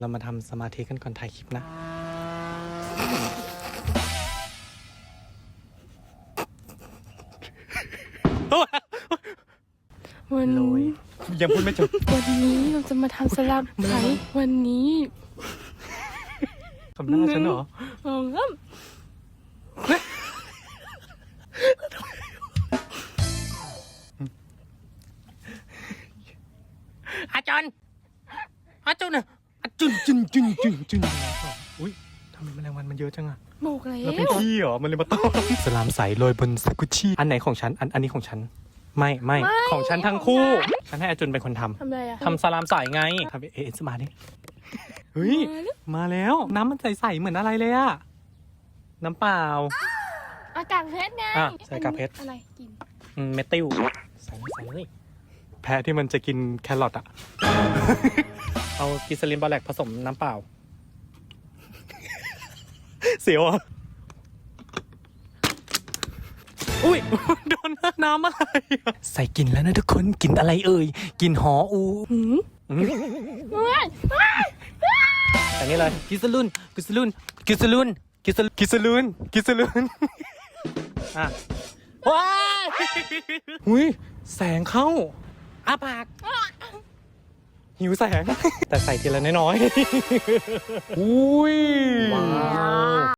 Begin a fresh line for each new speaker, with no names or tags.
เรามาทำสมาธิกันก่อนถ่ายคลิปนะ
วัน
โรย
นี้
ยังพูดไม่จบ
วันนี้เราจะมาทำสลับไข่วันนี้
คำหน้าฉันเหรอ
สองสาม
อาจารย์อาจารย์น่ะอาจุนอุ้ยทำไมแมลงวันมันเยอะจังอะ
บอกแล้
เราเป็น
ว
ขี้เหรอมันเลยมาต้อนสลามใสโรยบนสกุชชี่อันไหนของฉันอันนี้ของฉันไม่ของฉันทั้งคู่ฉันให้อาจุนเป็นคนท
ทำอะไรอะ
ำสลามใสไงทำเอสมาดิเฮ้ยมาแล้วน้ำมันใสๆเหมือนอะไรเลยอะน้ำเปล่า
อากาศเพชรไง
อ่ะใส่กากเพชร
อะไรกิน
เมติลใส่เลยแพ้ที่มันจะกินแครอทอะ เอากิซาลินบอแลกผสมน้ำเปล่า เสียวอ่ะอุ้ย โดนน้ำอะไรอะใส่กินแล้วนะทุกคนกินอะไรเอ่ยกินหออู
หืม
อืม
เฮ้ย
แต่นี่เลยกิซาลุนอ่ะว้ายหุยแสงเข้าอ้าปากหิวแสง แต่ใส่ทีละน้อยๆอุ้ยว้าว